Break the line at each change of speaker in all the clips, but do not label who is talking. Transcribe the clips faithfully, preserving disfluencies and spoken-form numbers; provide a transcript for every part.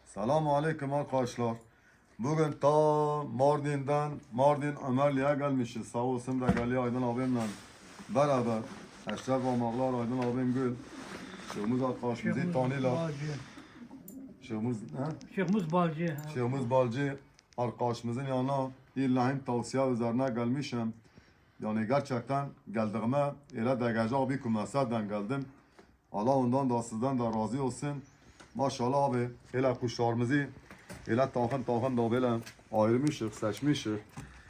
Selamun Aleyküm arkadaşlar. Bugün ta Mardin'den, Mardin Ömerli'ye gelmişiz. Sağ olsun da geliyor Aydın abimle beraber. Eşref Amaklar, Aydın abim Gül. Şeyhimiz arkadaşımızı tanıyla. Şeyhimiz, he?
Şeyhimiz Balcı.
Şeyhimiz Balcı arkadaşımızın yanına illahim tavsiye üzerine gelmişim. Yani gerçekten geldiğime ile degaja bir kumesadan geldim. Allah ondan da sizden de razı olsun. Maşallah abi, hele kuşlarımızı, hele takım takım da böyle ayırmışız, seçmişiz.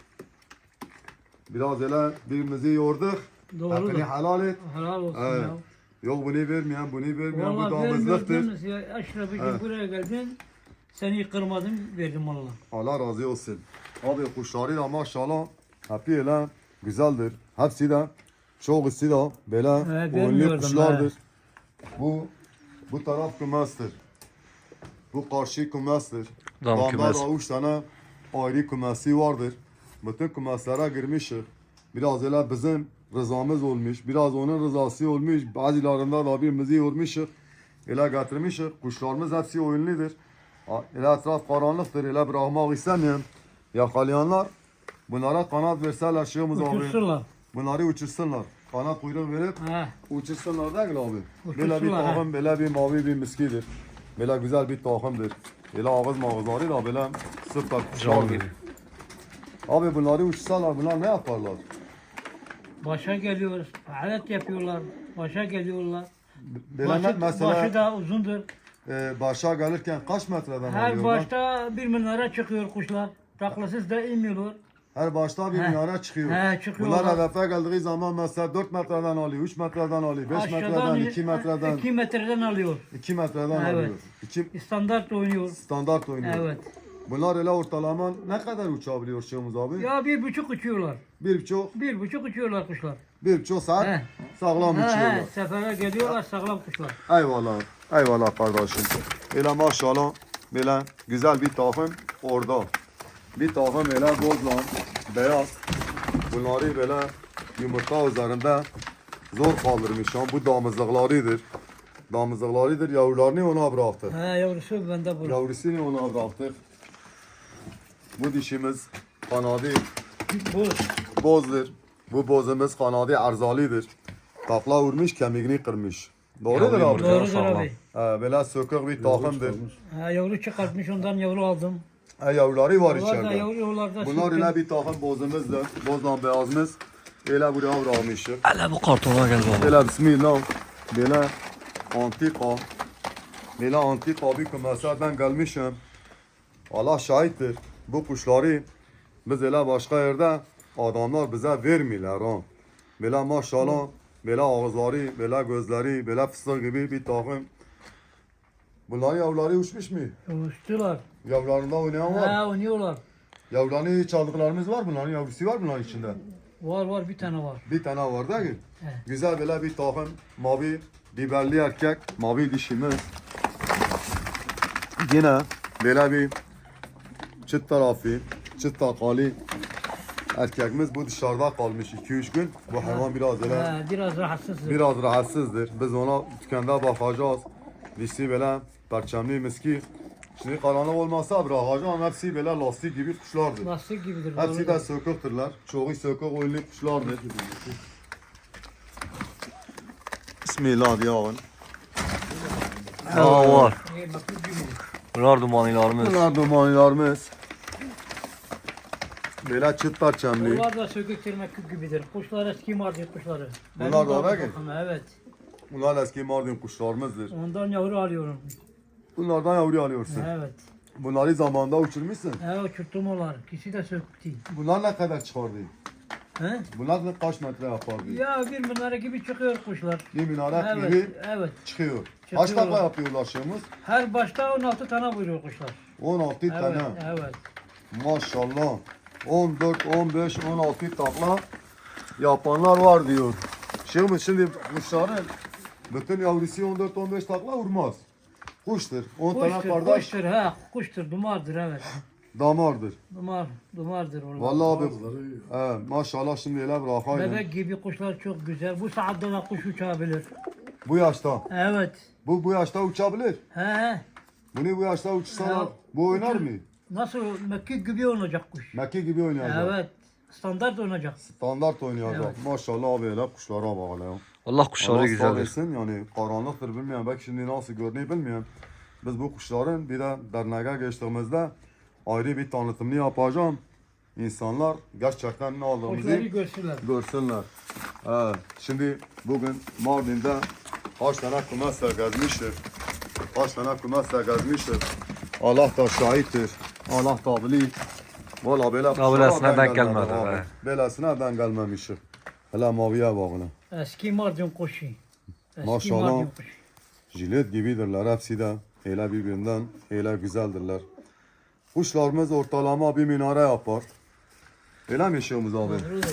Biraz hele birimizi yorduk.
Doğru.
Hakkını helal et.
Helal olsun
Evet.
ya.
Yok bunu vermeyen, bunu vermeyen, bu
Vallahi
damızlıktır.
vermiyordunuz ya. Aşraf'cığım
Evet.
buraya geldin. Seni kırmadım, verdim valla.
Allah razı olsun. Abi kuşları da maşallah hep hele güzeldir. Hepsi de çok iyisi de böyle
Evet,
oyunlu
bilmiyordum,
kuşlardır. Bu bu taraf kümestir. Bu karşı kümestir.
Dam
Damda
kümes.
da üç tane ayrı kümesi vardır. Bütün kümeslere girmişiz. Biraz öyle bizim rızamız olmuş. Biraz onun rızası olmuş. Bazılarında da birimizi yormuşuz. Öyle getirmişiz. Kuşlarımız hepsi oyunludur. Ha, Öyle etraf karanlıktır. Öyle bırakmak istemiyorum. Yakalayanlar bunlara kanat verseler şeyimiz abi.
Uçursunlar.
Bunları uçursunlar. Kanat kuyruğu verip
Ha.
uçursunlar değil mi abi? Böyle bir
Uçursunlar, ha.
takım, böyle bir mavi bir miskidir. Böyle güzel bir takımdır. Böyle ağız mağızları da böyle süper
Can
kuşlardır.
gibi.
Abi bunları uçursalar bunlar ne yaparlar?
Başa geliyoruz. Alet yapıyorlar. Başa geliyorlar.
Böyle
Başı,
mesela
başı da uzundur.
e, başa gelirken kaç metreden
Her
alıyorlar?
başta bir minare çıkıyor kuşlar. Taklasız da inmiyorlar.
Her başta bir
He.
minare çıkıyor.
He, çıkıyorlar.
Bunlar hedefe geldiği zaman mesela dört metreden alıyor, üç metreden alıyor, beş metreden,
Aşağıdan
iki metreden,
iki metreden alıyor.
iki metreden
Evet.
alıyor. İki
Standart oynuyor.
standart oynuyor.
Evet.
Bunlar öyle ortalama ne kadar uçabiliyor Şeyhimiz abi?
Ya bir buçuk uçuyorlar.
Bir buçuk,
Bir buçuk uçuyorlar kuşlar.
bir buçuk saat
He.
sağlam
He,
uçuyorlar.
he, sefere geliyorlar sağlam kuşlar.
Eyvallah, eyvallah kardeşim. Böyle maşallah, böyle güzel bir takım orada. Bir takım böyle bozlan, beyaz. Bunları böyle yumurta üzerinde zor kaldırmışım. Bu damızlıklarıdır. Damızlıklarıdır, yavrularını ona bıraktık.
He yavrusu bende bu.
Yavrusunu ona bıraktık. Bu dişimiz kanadı
Bu.
bozdur. Bu bozumuz kanadı arzalıdır. Takla vurmuş, kemiğini kırmış. Doğrudur
Yavru
abi.
yumurta.
Doğrudur abi.
He, böyle sökük bir takımdır.
Ha, yavru çıkartmış ondan yavru aldım.
He, yavruları var
Onlar da
içeride.
yavru yollarda
Bunlar
sürtün.
öyle bir takım bozumuzdur. Bozdan beyazımız. Öyle buraya bırakmışız.
Hele bu kartona gel baba.
Böyle bismillah. Böyle antika. Böyle antika bir kümesadan gelmişim. Allah şahittir. Bu kuşları biz öyle başka yerde adamlar bize vermiyorlar ha. Böyle maşallah, böyle ağızları, böyle gözleri, böyle fıstık gibi bir takım. Bunların yavruları uçmuş mu?
Uçtular.
Yavrularında oynayan var.
Ha oynuyorlar.
Yavrularını çaldıklarımız var, bunların yavrusu var bunların içinde.
Var var bir tane var.
Bir tane var değil mi?
He.
Güzel böyle bir takım mavi biberli erkek, mavi dişimiz. Yine böyle bir çıt tarafı, çıt takalı erkekimiz bu dışarıda kalmış iki üç gün. Bu hayvan biraz böyle
Ha, biraz rahatsız.
biraz rahatsızdır. Biz ona dükkanda bakacağız. Dişi böyle perçemli miski. Şimdi karanlık olmasa bırakacağım. Hepsi böyle lastik gibi kuşlardır.
Lastik gibidir.
Hepsi de
doğrudur.
söküktürler. Çoğu sökük oyunlu kuşlardır. Bismillah diyağın.
Ha var.
İyi, bakır gibidir.
Bunlar dumanilarımız.
Bunlar dumanlarımız. Böyle çıt perçemli.
Onlar da sökük tırnak gibidir. Kuşlar eski Mardin kuşları.
Bunlar
Benim
da
de
öyle mi?
bakımı, evet.
Bunlar eski Mardin kuşlarımızdır.
Ondan yavru alıyorum.
Bunlardan yavru alıyorsun.
Evet.
Bunları zamanında uçurmuşsun.
He uçurttum onlar. İkisi de sökük değil.
Bunlar ne kadar çıkardı?
He?
Bunlar ne kaç metre yapardı?
Ya bir minare gibi çıkıyor kuşlar.
Bir minare
Evet,
gibi
evet.
çıkıyor.
Çıkıyor.
Kaç takla yapıyorlar şeyimiz?
Her başta on altı tane buyuruyor kuşlar.
on altı
Evet,
tane.
evet.
Maşallah. on dört, on beş, on altı takla yapanlar var diyor. Şeyimiz şimdi kuşların bütün yavrusu on dört on beş takla vurmaz. Kuştur. on tane
Kuştur,
kardeş
kuştur, ha, kuştur, dumardır, evet.
damardır.
Dumar, dumardır onlar.
Vallahi abi. He, maşallah şimdi öyle bırakayım.
Bebek gibi kuşlar çok güzel. Bu saatte de kuş uçabilir.
Bu yaşta.
Evet.
Bu bu yaşta uçabilir.
He he.
Bunu bu yaşta uçursalar
Ya,
bu oynar
uçur-
mı?
Nasıl mekik gibi oynayacak kuş.
Mekke gibi oynayacak.
Evet. Standart oynayacak.
Standart oynayacak.
Evet.
Maşallah abi hele kuşlara bak hele.
Allah kuşları
Allah sağ
güzeldir.
etsin yani karanlıktır bilmiyorum. Belki şimdi nasıl görünüyor bilmiyorum. Biz bu kuşların bir de derneğe geçtiğimizde ayrı bir tanıtımını yapacağım. İnsanlar gerçekten ne aldığımızı
Kuşları görsünler.
görsünler. Evet. Şimdi bugün Mardin'de kaç tane kumasa gezmiştir. Kaç tane kumasa gezmiştir. Allah da şahittir. Allah da bilir. Valla böyle
Böylesine denk
gelmedi
gelmedi,
abi.
he.
Böylesine denk gelmemiştir. Hele maviye bak hele.
Eski Mardin kuşu. Eski
Maşallah.
Mardin kuşu.
Jilet gibidirler hepsi de. Hele birbirinden hele güzeldirler. Kuşlarımız ortalama bir minare yapar. Öyle mi işimiz abi?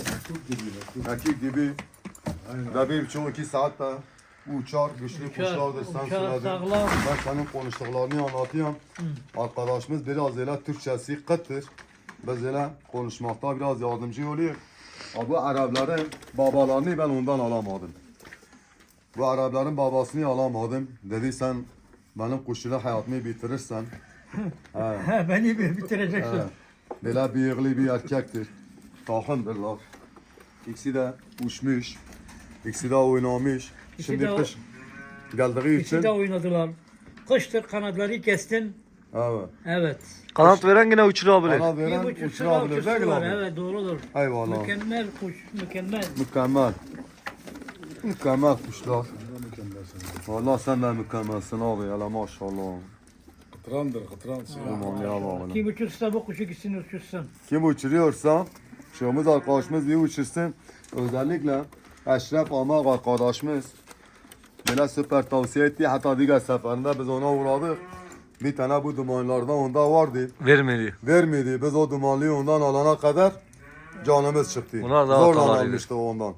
Mekik gibi. Ve bir buçuk iki saatte uçar, güçlü
Uçar,
kuşlardır sen
uçar,
söyledin.
sağlam.
Ben senin konuştuklarını anlatıyorum. Arkadaşımız biraz öyle Türkçesi kıttır. Biz öyle konuşmakta biraz yardımcı oluyor. Ama bu Arapların babalarını ben ondan alamadım. Bu Arapların babasını alamadım. Dedi sen benim kuşçuluk hayatımı bitirirsen. He.
He, beni bir bitireceksin.
He. Böyle bıyıklı bir erkektir. Takımdırlar. İkisi de uçmuş. İkisi de oynamış.
İkisi
Şimdi
de-
kış geldiği
İkisi
için.
de oynadılar. Kıştır kanatları kestin.
Evet.
Evet.
Kanat veren yine uçurabilir.
Bana
Bir
veren
buçuk sıra
uçurabilir değil mi
uçursular.
abi?
Evet doğrudur.
Eyvallah.
Mükemmel kuş. Mükemmel.
Mükemmel. Mükemmel kuşlar. Vallahi sen de mükemmelsin abi. Hele maşallah.
Kıtrandır, kıtran.
Aman ya bağlı.
İki buçuk sıra bu kuşu gitsin uçursun.
Kim uçuruyorsa şahımız arkadaşımız bir uçursun. Özellikle Eşref Amak arkadaşımız böyle süper tavsiye etti. Hatta diğer seferinde biz ona uğradık. Bir tane bu dumanlardan onda vardı.
Vermedi.
Vermedi. Biz o dumanlıyı ondan alana kadar canımız çıktı.
Bunlar daha
Zorla
hatalarıydı.
almıştık ondan.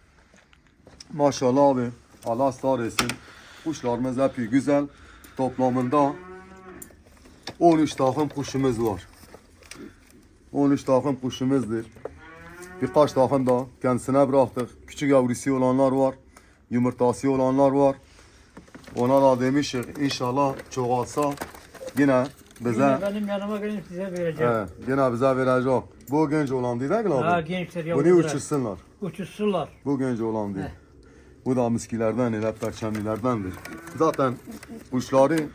Maşallah abi. Allah sağ etsin. Kuşlarımız hep güzel. Toplamında on üç takım kuşumuz var. on üç takım kuşumuzdur. Birkaç takım da kendisine bıraktık. Küçük yavrusu olanlar var. Yumurtası olanlar var. Ona da demişik inşallah çoğalsa yine bize
Yine benim yanıma gelin size vereceğim.
he, yine bize verecek. Bu genç olan değil mi
Ha
abi?
gençler
Bunu
yavrular.
uçursunlar.
Uçursunlar.
Bu genç olan değil. Bu da miskilerden, hele perçemlilerdendir. Zaten kuşları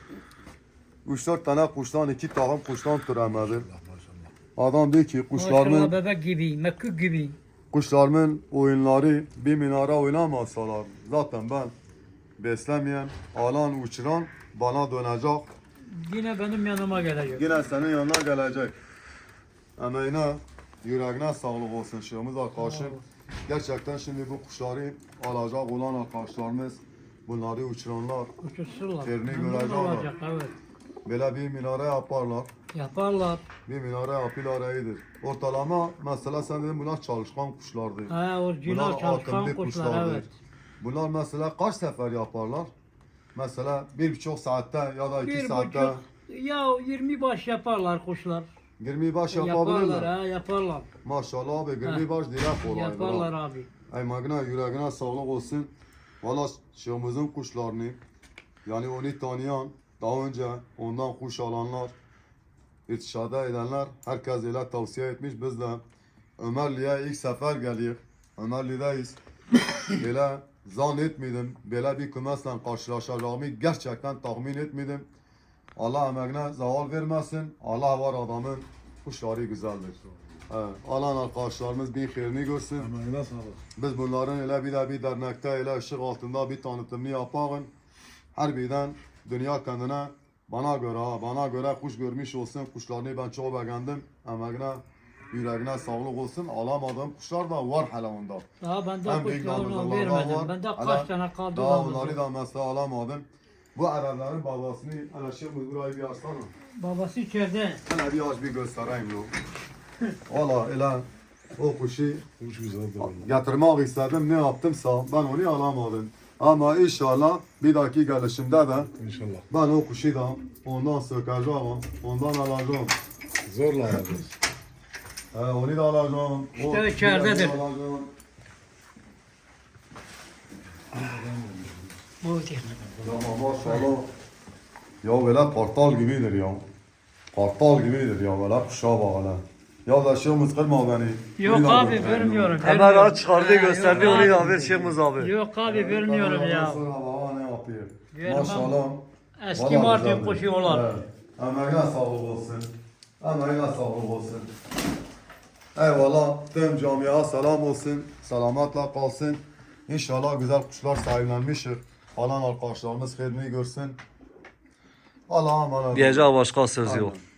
üç dört tane kuştan, iki takım kuştan türemedi. Adam diyor ki
Maşallah
kuşlarımın,
bebek gibi, mekük gibi.
kuşlarımın oyunları bir minare oynamasalar zaten ben beslemeyen, alan, uçuran bana dönecek.
Yine benim yanıma gelecek.
Yine senin yanına gelecek. Emeğine, yüreğine sağlık olsun şeyimiz arkadaşım. Gerçekten şimdi bu kuşları alacak olan arkadaşlarımız bunları uçuranlar
Uçursunlar.
Yerini
Memnun
görecek
olacak, evet.
böyle bir minare yaparlar.
Yaparlar.
Bir minare yapıyorlar iyidir. Ortalama mesela sen dedin bunlar çalışkan kuşlardır.
Ha orijinal
Bunlar
çalışkan
akıllı
kuşlar,
kuşlardır.
evet.
Bunlar mesela kaç sefer yaparlar? Mesela bir buçuk saatte ya da iki
Bir
saatte
buçuk, ya yirmi baş yaparlar kuşlar.
yirmi baş
Yaparlar
yapabilirler.
ha yaparlar.
Maşallah abi yirmi
Ha.
baş direkt kolay.
Yaparlar abi.
Emeğine yüreğine sağlık olsun. Valla şeyimizin kuşlarını yani onu tanıyan daha önce ondan kuş alanlar irtişada edenler herkes ile tavsiye etmiş. Biz de Ömerli'ye ilk sefer geliyor. Ömerli'deyiz. Böyle zannetmedim. Böyle bir kümesle karşılaşacağımı gerçekten tahmin etmedim. Allah emeğine zaval vermesin. Allah var adamın kuşları güzeldir. Evet, alan arkadaşlarımız bir hayırını görsün.
Emeğine sağlık.
Biz bunların öyle bir de bir dernekte öyle ışık altında bir tanıtımını yapalım. Harbiden dünya kendine bana göre ha, bana göre kuş görmüş olsun. Kuşlarını ben çok beğendim. Emeğine, yüreğine sağlık olsun. Alamadığım kuşlar da var hala onda.
Daha ben de
En büyük
kuşlarını
damızlılar
vermedim.
var.
Ben de
Hala
kaç tane kaldı
Daha
damızlık.
onları da mesela alamadım. Bu Arapların babasını hele şimdi burayı bir açsana.
Babası içeride.
Hele bir aç bir göstereyim lo. Valla öyle o kuşu
Kuş güzeldir.
getirmek istedim ne yaptımsa ben onu alamadım. Ama inşallah bir dahaki gelişimde de
İnşallah.
ben o kuşu da ondan sökeceğim, ondan alacağım.
Zorla alacağız.
He, onu da alacağım.
İşte
o
içeridedir.
diğerini alacağım.
Bu değil.
Tamam maşallah. Ya böyle kartal gibidir ya. Kartal gibidir ya böyle kuşa bak hele. Ya da şeyimiz kırma beni.
Yok
Bir de
abi
göster.
vermiyorum.
Hemen
vermiyorum.
aç çıkardı gösterdi
Yok
onu
abi.
ya ver Şeyhimiz abi.
Yok abi vermiyorum
Tabii
ya.
sonra baba ne yapıyor?
Vermem.
Maşallah.
Eski
Vallahi
Mardin
güzeldir.
kuşuyorlar.
Evet. Emeğine sağlık olsun. Emeğine sağlık olsun. Eyvallah. Tüm camiaya selam olsun. Selametle kalsın. İnşallah güzel kuşlar sahiplenmiştir. Falan arkadaşlarımız khairini görsün. Allah'a emanet olun.
Diyeceği başka söz yok.
Aynen.